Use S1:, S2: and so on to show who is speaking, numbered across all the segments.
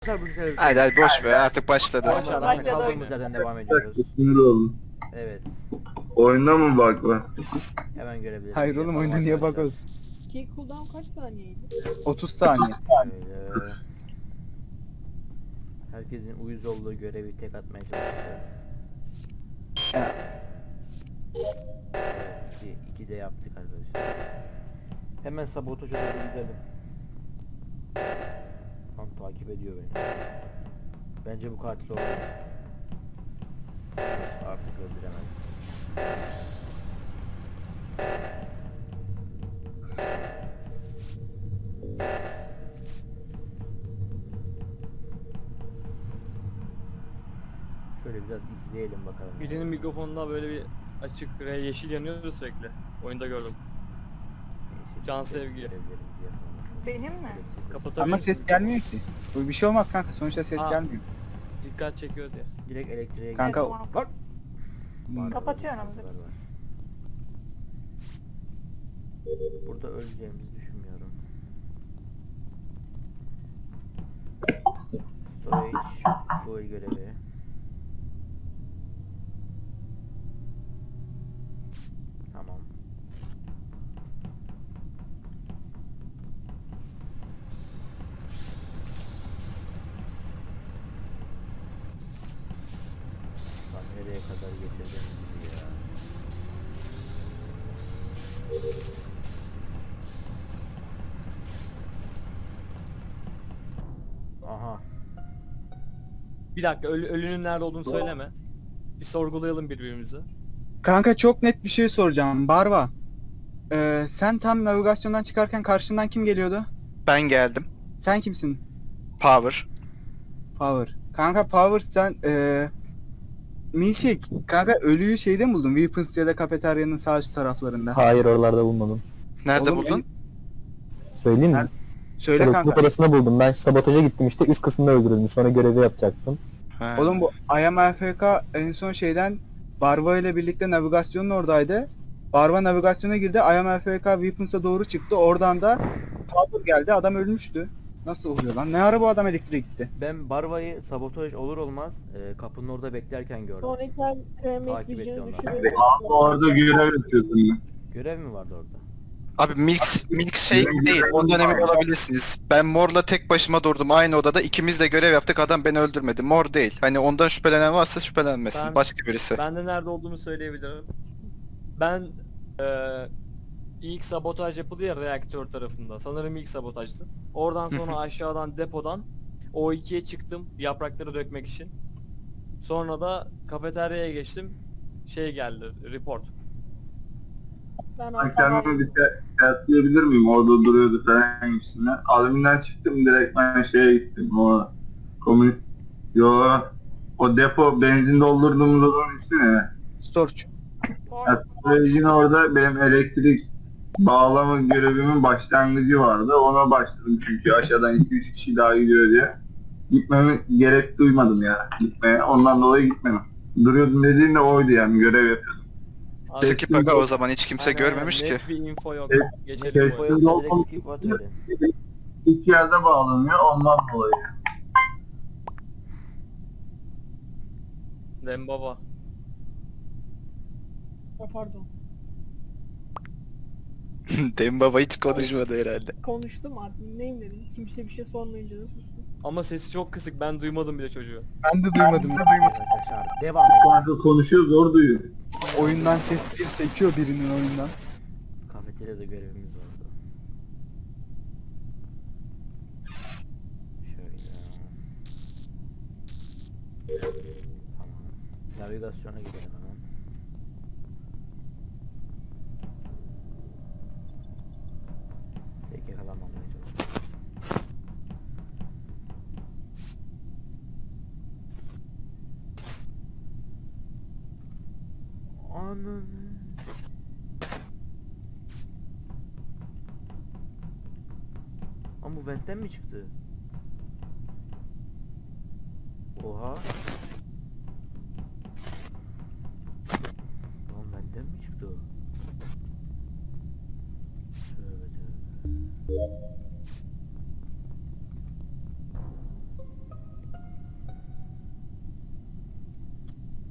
S1: Hadi hadi boş ver artık başladı.
S2: Boşver,
S3: Bence de
S2: kaldığımız
S3: öyle.
S2: yerden devam ediyoruz.
S4: Sinir oldum.
S2: Evet.
S4: Oyunda mı bug var?
S2: Hemen görebiliriz.
S5: Hayır oğlum, oyunda niye
S2: arkadaşlar.
S5: bakıyorsun?
S3: Ki cooldown kaç saniyeydi?
S5: 30 saniye.
S2: Şöyle. Herkesin uyuz olduğu görevi tek atmaya çalışacağız.
S5: Ya,
S2: Evet, iki de yaptık arkadaşlar. Hemen sabotaja doğru gidelim. Tam takip ediyor beni. Bence bu katil olabilir. Artık öldüremez. Şöyle biraz izleyelim bakalım.
S1: Birinin mikrofonunda böyle bir açık yeşil yanıyordu sürekli. Oyunda gördüm.
S2: Neyse,
S1: Can
S2: biz de
S1: sevgi.
S2: görevlerimizi yapalım.
S3: Benim mi?
S1: Kapatabilir
S5: ama
S1: misin?
S5: ses gelmiyor ki. Bu bir şey olmaz kanka, sonuçta ses
S1: Aa.
S5: gelmiyor.
S1: Dikkat çekiyor diye.
S2: Direkt elektriğe
S5: Kanka
S3: Tamam.
S5: bak.
S2: Var,
S3: Kapatıyorum.
S2: sıkıntılar var. Burada öleceğimizi düşünmüyorum. Storage, fuel görevi. Tamam. Lan nereye kadar getirdin bizi ya? Aha.
S1: Bir dakika ölünün nerede olduğunu söyleme. Bir sorgulayalım birbirimizi.
S5: Kanka çok net bir şey soracağım. Barba. Sen tam navigasyondan çıkarken karşından kim geliyordu?
S6: Ben geldim.
S5: Sen kimsin?
S6: Power.
S5: Power. Kanka Power sen Milkshake. Kanka ölüyü şeyde mi buldun? Weapons ya da kafeteryanın sağ üst taraflarında.
S7: Hayır, oralarda bulmadım.
S6: Nerede
S5: Oğlum,
S6: buldun?
S7: Söyleyeyim mi?
S5: Ben- Söyle
S7: Çocukluk
S5: kanka.
S7: odasında buldum. Ben sabotaja gittim işte, üst kısmında öldürüldüm. Sonra görevi yapacaktım.
S6: Ha.
S5: Oğlum bu I am AFK en son şeyden Barba ile birlikte navigasyonun oradaydı. Barba navigasyona girdi. I am AFK Weapons'a doğru çıktı. Oradan da Power geldi. Adam ölmüştü. Nasıl oluyor lan? Ne ara bu adam elektriğe gitti?
S2: Ben Barva'yı sabotaj olur olmaz kapının orada beklerken gördüm.
S3: Sonraki el kremi
S2: Takip etti
S3: ekleyeceğini
S2: onlar.
S3: düşürüyorum.
S4: Orada görev yapıyordum ben.
S2: Görev mi vardı orada?
S6: Abi milkshake değil. Ondan emin olabilirsiniz. Ben Mor'la tek başıma durdum aynı odada. İkimiz de görev yaptık. Adam beni öldürmedi. Mor değil. Hani ondan şüphelenen varsa şüphelenmesin.
S1: Ben-
S6: Başka birisi.
S1: Ben de nerede olduğumu söyleyebilirim. Ben ilk sabotaj yapıldı ya reaktör tarafında. Sanırım ilk sabotajdı. Oradan sonra aşağıdan depodan O2'ye çıktım yaprakları dökmek için. Sonra da kafeteryaya geçtim. Şey geldi, report.
S3: Ben
S4: Ben
S3: arkadan
S4: kendime bir teyitleyebilir miyim? Orada duruyordu falan gibisinden. Adminden çıktım, direkt ben şeye gittim. O komün... Yo, o depo benzin doldurduğumuz odanın ismi ne?
S5: Storch.
S4: Storage'in orada benim elektrik bağlama görevimin başlangıcı vardı. Ona başladım çünkü aşağıdan 2-3 kişi daha gidiyor diye. Gitmeme gerek duymadım ya gitmeye. Ondan dolayı gitmedim. Duruyordum dediğin de oydu yani, görev yapıyordum.
S1: Abi,
S6: Skip aga o zaman hiç kimse
S1: aynen,
S6: görmemiş
S1: net
S6: ki.
S1: bir info yok.
S4: Evet,
S1: Geçelim
S4: evet.
S1: bu
S2: Info
S1: oyuna.
S2: yoksa direkt skip at öyle.
S4: İki yerde bağlanıyor ondan dolayı.
S1: Dembaba.
S3: pardon.
S6: Dembaba hiç konuşmadı herhalde.
S3: Konuştum admin neyim dedim. Kimse bir şey sormayınca da sustum.
S1: Ama sesi çok kısık. Ben duymadım bile çocuğu.
S5: Ben de duymadım.
S2: Arkadaşlar devam edelim.
S4: Kanka konuşuyor, zor duyuyor.
S5: Oyundan ses bir sekiyor birinin oyundan.
S2: Kafeteryada görevimiz vardı. Şöyle. Tamam. Navigasyona gidelim hemen. Tek yakalanmamaya çalışıyorum. Ananı. Ama bu ventten mi çıktı? Oha. Lan ventten mi çıktı o? Tövbe tövbe.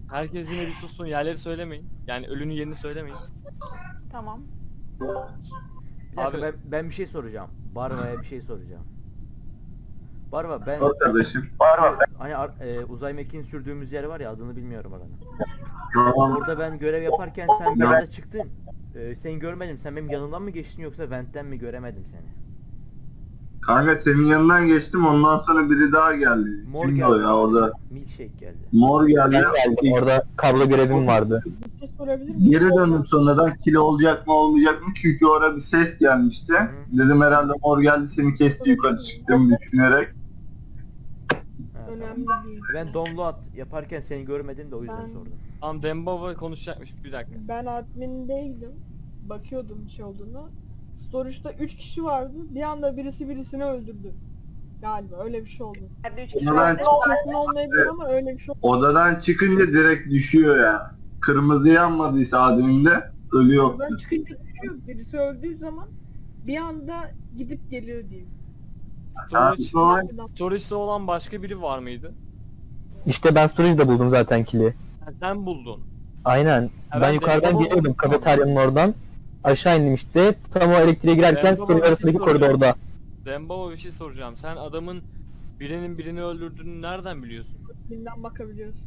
S1: Herkes yine bir sussun, yerleri söylemeyin. Yani ölünün yerini söylemeyin.
S3: Tamam.
S2: Bir dakika,
S1: Abi-
S2: ben bir şey soracağım. Barva'ya bir şey soracağım. Barva ben
S4: Sor kardeşim.
S2: hani uzay mekiğini sürdüğümüz yer var ya, adını bilmiyorum oranın.
S4: Tamam.
S2: Orada ben görev yaparken sen bir anda çıktın. Seni görmedim. Sen benim yanımdan mı geçtin yoksa ventten mi, göremedim seni?
S4: Kanka senin yanından geçtim, ondan sonra biri daha geldi.
S2: Mor
S4: Kimdi
S2: geldi.
S4: o ya orada?
S2: Milkshake geldi.
S4: Mor geldi.
S7: Ben geldim. Orada kablo görevim vardı.
S3: Bir şey sorabilir miyim?
S4: Geri döndüm sonradan, kili olacak mı olmayacak mı, çünkü orada bir ses gelmişti. Dedim herhalde mor geldi seni kesti, yukarı çıktığımı düşünerek.
S2: Ha, tamam.
S3: Önemli değil.
S2: Ben download yaparken seni görmedim de o yüzden
S3: Ben-
S2: sordum.
S1: Tamam, Dembaba konuşacakmış, bir dakika.
S3: Ben admindeydim. Bakıyordum bir şey olduğunu. Storage'da 3 kişi vardı. Bir anda birisi birisini öldürdü. Galiba öyle bir şey oldu.
S4: Odadan,
S3: Kesin olmayabilir ama öyle bir şey oldu.
S4: odadan çıkınca direkt düşüyor ya. Kırmızı yanmadıysa adımda ölü yoktu.
S3: Ben çıkınca düşüyor. Birisi öldüğü zaman bir anda gidip geliyor diyeyim.
S1: Storage'da olan başka biri var mıydı?
S7: İşte ben storage'da buldum zaten kili.
S1: Ha, sen buldun.
S7: Aynen.
S1: ben
S7: Ben yukarıdan
S1: Dembaba
S7: geliyordum
S1: buldum.
S7: kafeteryanın oradan. Aşağı indim işte. Tam o elektriğe girerken
S1: Dembaba
S7: storage
S1: bir şey
S7: arasındaki
S1: soracağım.
S7: koridorda.
S1: Dembaba, bir şey soracağım. Sen adamın birinin birini öldürdüğünü nereden biliyorsun?
S3: Binden bakabiliyorsun.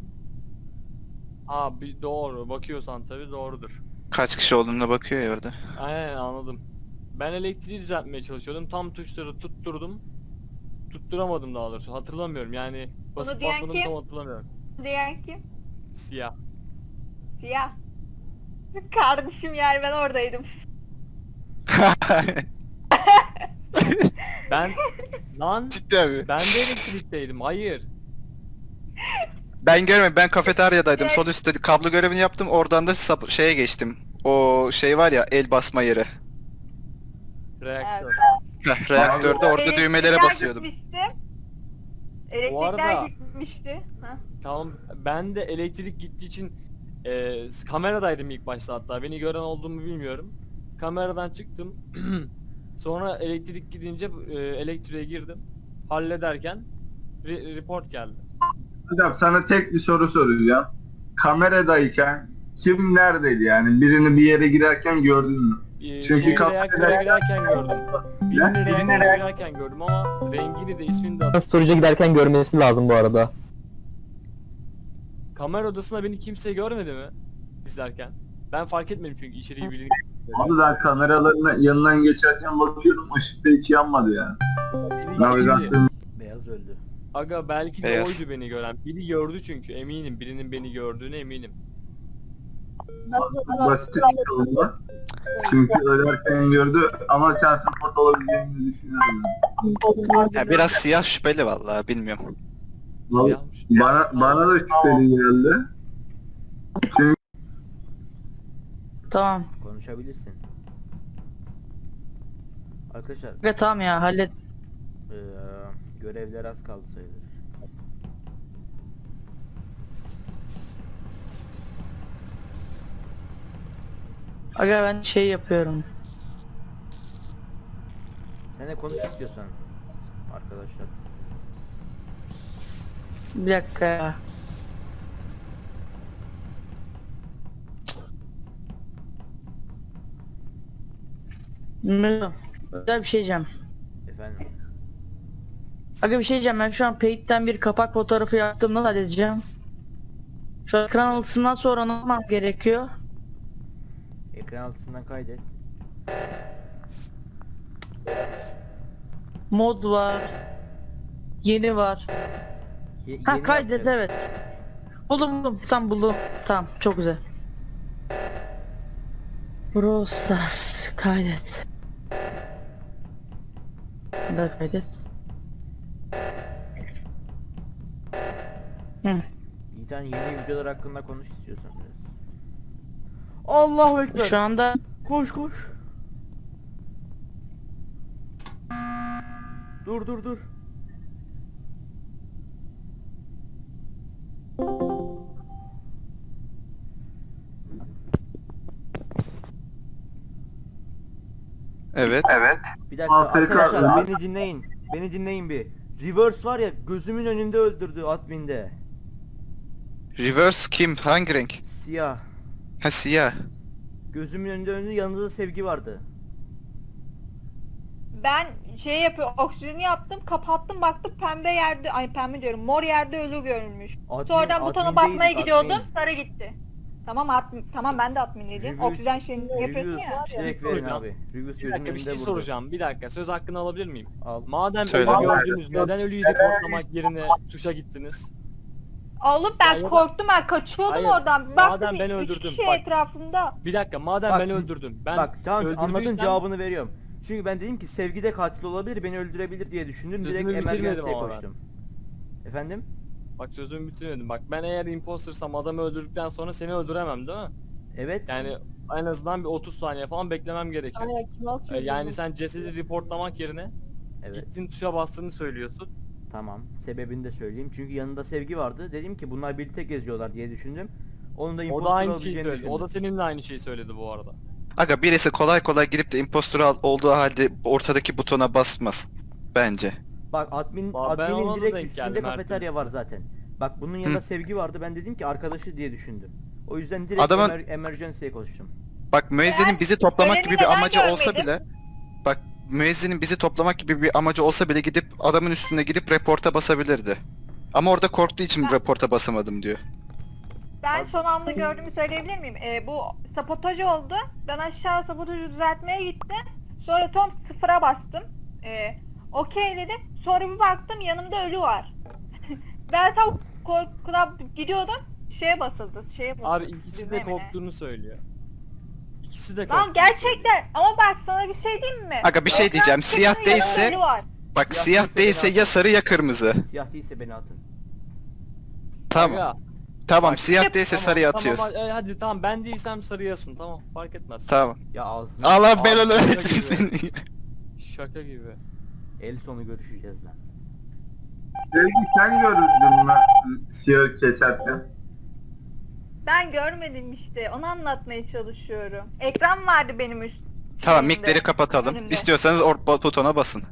S1: Doğru. Bakıyorsan tabii doğrudur.
S6: Kaç kişi olduğuna bakıyor ya orada.
S1: Aynen, anladım. Ben elektriği düzeltmeye çalışıyordum. Tam tuşları tutturdum. Tutturamadım daha doğrusu. Hatırlamıyorum yani. Basıp
S8: diyen
S1: basmadım
S8: kim?
S1: tam hatırlamıyorum.
S8: Diyen kim?
S1: Siyah.
S8: Siyah. Kardeşim yani ben oradaydım.
S1: Ben lan
S6: Ciddi mi?
S1: ben de elektrikteydim. Hayır.
S6: Ben görmedim. Ben kafeteryadaydım. Sol üstte kablo görevini yaptım. Oradan da şeye geçtim. O şey var ya, el basma yeri.
S1: Reaktör.
S6: Heh, reaktörde orada
S8: Elektrikler
S6: düğmelere basıyordum.
S8: Gitmişti.
S1: Bu
S8: Elektrikler
S1: arada-
S8: gitmişti. Ha.
S1: Tamam, ben de elektrik gittiği için kameradaydım ilk başta hatta. Beni gören olduğumu bilmiyorum. Kameradan çıktım. Sonra elektrik gidince elektriğe girdim. Hallederken report geldi.
S4: Hocam sana tek bir soru soracağım. Kameradayken kim neredeydi yani? Birini bir yere girerken gördün mü? Çünkü
S1: Reaktöre girerken gördüm. Birini
S4: Ne?
S1: reaktöre girerken gördüm ama rengini de ismini de
S7: Ben storage'a giderken görmesi lazım bu arada.
S1: kamera odasında beni kimse görmedi mi izlerken? Ben fark etmedim çünkü içeriği birini.
S4: Abi ben kameraların yanından geçerken bakıyorum, ışıkta hiç yanmadı yani.
S1: Beni geçti.
S4: Navigasyon
S2: Beyaz öldü.
S1: Aga belki de
S6: Beyaz.
S1: oydu beni gören. Biri gördü çünkü eminim. Birinin beni gördüğüne eminim.
S4: basit bir oldu. Çünkü ölerken gördü ama sen support olabileceğini düşünüyorum.
S6: Ya biraz siyah şüpheli vallahi, bilmiyorum.
S1: Siyahmış.
S4: Bana da şüpheli geldi. Çünkü
S9: Tamam.
S2: Konuşabilirsin. Arkadaşlar
S9: Ve tamam ya hallet.
S2: görevler az kaldı sayılır.
S9: Aga ben şey yapıyorum.
S2: Sen de konuş istiyorsan arkadaşlar.
S9: Bir dakika ya. Melo, güzel bir şey diyeceğim.
S2: Efendim.
S9: Aga bir şey diyeceğim, ben şu an Paint'ten bir kapak fotoğrafı yaptım, nasıl halledeceğim? Şu ekran alısından sonra ne yapmam gerekiyor?
S2: Ekran altısından kaydet.
S9: Mod var. Yeni var. Ha
S2: Yeni
S9: kaydet,
S2: yapacağız.
S9: evet. Buldum tam buldum. Tamam çok güzel. Brawl Stars kaydet. Bir daha kaydet. Hı.
S2: Bir tane yeni videolar hakkında konuş istiyorsan biraz. Allahu Ekber.
S9: Şu anda
S2: Koş koş. Dur.
S6: Evet.
S2: Bir dakika
S4: AFK
S2: arkadaşlar,
S4: lan.
S2: beni dinleyin bir. Reverse var ya, gözümün önünde öldürdü adminde.
S6: Reverse kim? Hangi renk?
S2: Siyah.
S6: Ha siyah.
S2: Gözümün önünde yanında da Sevgi vardı.
S8: Ben şey yapıyor, oksijeni yaptım, kapattım, baktım pembe yerde, ay pembe diyorum, mor yerde ölü görülmüş. Sonradan butona basmaya gidiyordum, sarı gitti. Tamam ben de adminliydim.
S2: Reviews-
S8: Oksijen şeyini yapıyorsun ya.
S2: Direkt verin abi. Reviews
S1: Bir
S2: gözümün
S1: dakika bir şey
S2: önünde vurdu.
S1: soracağım. Bir dakika söz hakkını alabilir miyim?
S2: Al.
S1: Madem
S6: Söyle.
S1: ölü gördünüz neden ölüyü reportlamak yerine tuşa gittiniz?
S8: Oğlum ben
S1: Ya da-
S8: korktum, ben kaçıyordum
S1: Hayır,
S8: oradan. Bir baktım
S1: madem ben
S8: 3
S1: öldürdüm,
S8: kişi
S1: bak.
S8: etrafında.
S1: Bir dakika madem
S2: Bak,
S1: ben öldürdüm. Ben
S2: Bak tamam anladın,
S1: öldürdüysem-
S2: cevabını veriyorum. Çünkü ben dedim ki Sevgi de katil olabilir, beni öldürebilir diye düşündüm. Direkt
S1: Sözümü bitirmedim
S2: emergency'ye
S1: ama ben.
S2: koştum. Efendim?
S1: Bak sözümü bitirmedim. Bak ben eğer impostersam adamı öldürdükten sonra seni öldüremem değil mi?
S2: Evet.
S1: Yani en azından bir 30 saniye falan beklemem gerekiyor.
S3: Aynen kim atıyor?
S1: Yani sen cesedi reportlamak yerine
S2: Evet.
S1: gittin tuşa bastığını söylüyorsun.
S2: Tamam. Sebebini de söyleyeyim. Çünkü yanında Sevgi vardı. Dedim ki bunlar birlikte geziyorlar diye düşündüm. Onun da
S1: O
S2: imposter
S1: da aynı şeyi
S2: olabileceğini
S1: söyledi.
S2: düşündüm.
S1: O da seninle aynı şeyi söyledi bu arada.
S6: Aga birisi kolay kolay gidip de impostor olduğu halde ortadaki butona basmaz. Bence.
S2: Bak
S1: Ben
S2: adminin
S1: ona da
S2: direkt
S1: denk
S2: üstünde
S1: geldim her
S2: kafeterya var zaten. Bak bunun yanında
S6: Hı.
S2: Sevgi vardı. Ben dedim ki arkadaşı diye düşündüm. O yüzden direkt
S6: Adamın-
S2: emergency'ye koştum.
S6: Bak müezzinin bizi toplamak
S8: öleni
S6: gibi bir
S8: neden
S6: amacı olsa
S8: görmedim?
S6: bile bak müezzinin bizi toplamak gibi bir amacı olsa bile gidip adamın üstüne gidip reporta basabilirdi. Ama orada korktuğu için reporta basamadım diyor.
S8: Ben son anda gördüğümü söyleyebilir miyim? Bu sabotaj oldu. Ben aşağı sabotajı düzeltmeye gittim. Sonra Tom sıfıra bastım. Okey dedim. Sonra bir baktım yanımda ölü var. Ben tam korkudan gidiyordum. Şeye basıldı.
S1: Abi ikisi de
S8: düğmeye mi ne?
S1: korktuğunu söylüyor. İkisi de korktuğunu
S8: Lan gerçekten ama bak sana bir şey diyeyim mi?
S6: Aga bir şey
S8: Ekran
S6: diyeceğim.
S8: çıktı,
S6: Siyah
S8: yanımda
S6: değilse
S8: ölü var.
S6: bak
S2: Siyah
S6: siyah
S2: değilse
S6: değilse
S2: beni
S6: ya
S2: atın.
S6: sarı ya kırmızı.
S2: Siyah değilse beni atın.
S6: Tamam.
S1: Aga,
S6: Tamam
S1: bak,
S6: siyah değilse
S1: tamam,
S6: sarıya
S1: tamam,
S6: atıyoruz.
S1: hadi tamam ben değilsem sarıyasın tamam fark etmez.
S6: Tamam.
S2: Ya ağzını.
S6: Allah belanı
S1: Abi,
S6: versin
S1: şaka
S6: seni.
S1: Şaka gibi.
S2: El sonu görüşeceğiz lan.
S4: Sevgi sen gördün mü siyah keserken?
S8: Ben görmedim işte. Onu anlatmaya çalışıyorum. Ekran vardı benim üst.
S6: Tamam
S8: şeyimde,
S6: mikleri kapatalım.
S8: önümde.
S6: İstiyorsanız butona basın.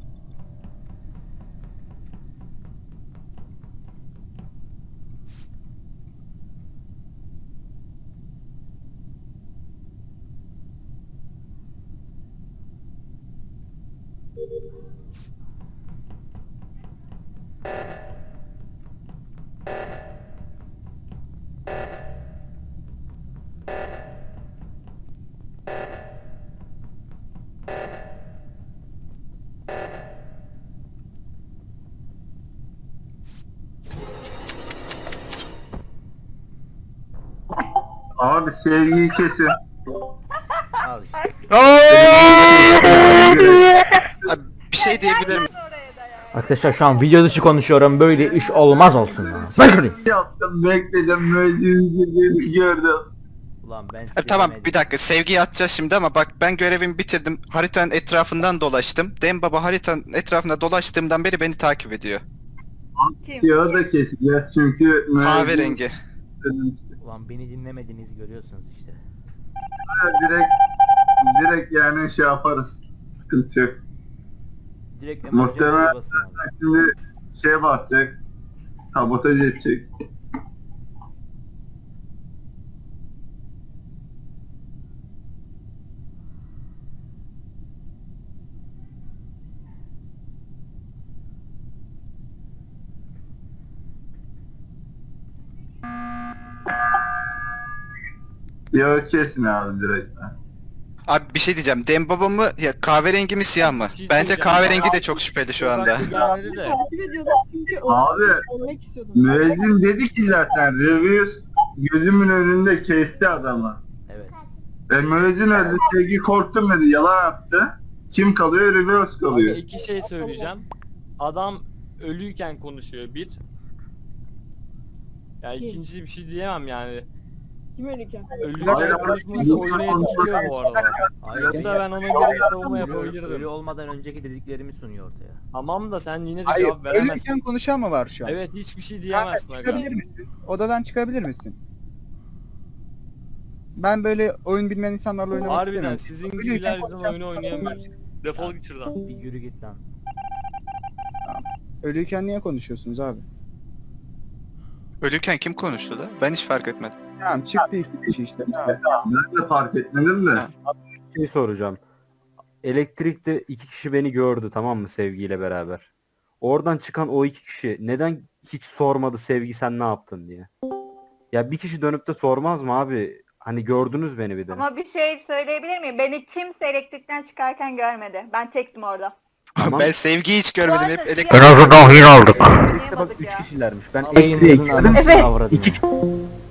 S4: Abi sevgiyi kesin.
S2: Al işte.
S6: Abi, bir şey diyebilir miyim?
S8: Oraya da ya.
S2: Arkadaşlar şu an video dışı konuşuyorum. Böyle iş olmaz olsun lan. Sakın.
S4: Yaptım bekledim müezzin gördüm.
S2: Ulan ben
S6: Tamam
S2: demedim.
S6: bir dakika sevgiyi atacağız şimdi ama bak ben görevimi bitirdim. Haritanın etrafından dolaştım. Dem baba haritanın etrafında dolaştığımdan beri beni takip ediyor.
S8: Kim?
S4: Siyahı da keseceğiz çünkü
S6: Kahverengi.
S2: Ulan beni dinlemediniz görüyorsunuz işte.
S4: direkt yani şey yaparız. Sıkıntı yok.
S2: Direkt
S4: Muhtemelen-
S2: emergency'ye basın abi.
S4: Şimdi şey basacak. Sabotaj edecek. Ya kesin abi direkt.
S6: Abi bir şey diyeceğim. Dem baba mı ya kahverengi mi siyah mı?
S1: Bir şey
S6: Bence
S1: söyleyeceğim.
S6: kahverengi de çok şüpheli şu anda.
S1: Gelmedi de.
S3: Takip ediyordum çünkü
S4: Abi,
S3: ölmek istiyordum.
S4: Müezzin dedi ki zaten Revius gözümün önünde kesti adamı.
S2: Evet.
S4: Müezzin öldü, Sevgi korktum dedi, yalan attı. Kim kalıyor? Revius
S1: Abi
S4: kalıyor.
S1: iki şey söyleyeceğim. Adam ölüyken konuşuyor bir. Ya
S3: Kim?
S1: ikinci bir şey diyemem yani.
S3: Kim ölürken?
S1: Ölüyken
S4: Hayır,
S1: konuşması oyunu etkiliyor bu arada.
S2: Hayır.
S1: Yoksa ben ona göre bir savunma
S2: Ölü
S1: yapabilirdim.
S2: olmadan önceki dediklerimi sunuyor ortaya.
S1: Tamam da sen yine de
S5: Hayır,
S1: cevap veremezsin.
S5: ölürken konuşan mı var şu an?
S1: Evet hiçbir şey
S5: Kanka,
S1: diyemezsin aga.
S5: çıkabilir misin? Odadan çıkabilir misin? Ben böyle oyun bilmeyen insanlarla oynamak
S1: Harbiden
S5: istemiyorum.
S1: sizin
S5: Ölürken
S1: gibiler yüzünden
S5: konuşan-
S1: oyunu oynayamıyoruz. Defol git şuradan.
S2: Bir yürü git lan.
S5: Ölüyken niye konuşuyorsunuz abi?
S6: Ölürken kim konuştu da? Ben hiç fark etmedim.
S5: Tamam çıktı iki kişi işte. Tamam.
S4: Ben de fark etmedim de.
S10: Şey soracağım. Elektrikte 2 kişi beni gördü, tamam mı, Sevgiyle beraber. Oradan çıkan o 2 kişi neden hiç sormadı Sevgi sen ne yaptın diye? Ya bir kişi dönüp de sormaz mı abi? Hani gördünüz beni bir de.
S8: Ama bir şey söyleyebilir miyim? Beni kimse elektrikten çıkarken görmedi. Ben tektim orada.
S10: Tamam.
S6: Ben Sevgi'yi hiç görmedim.
S8: Bu
S6: Hep
S8: arada
S6: elektrik.
S8: siyah-
S10: azından hin aldık.
S8: Anlayamadık
S10: İşte bak 3
S8: ya.
S10: kişilermiş. Ben
S2: Yayınımızın
S10: elektriğe
S2: anasını
S8: Evet.
S2: avradını.
S10: 2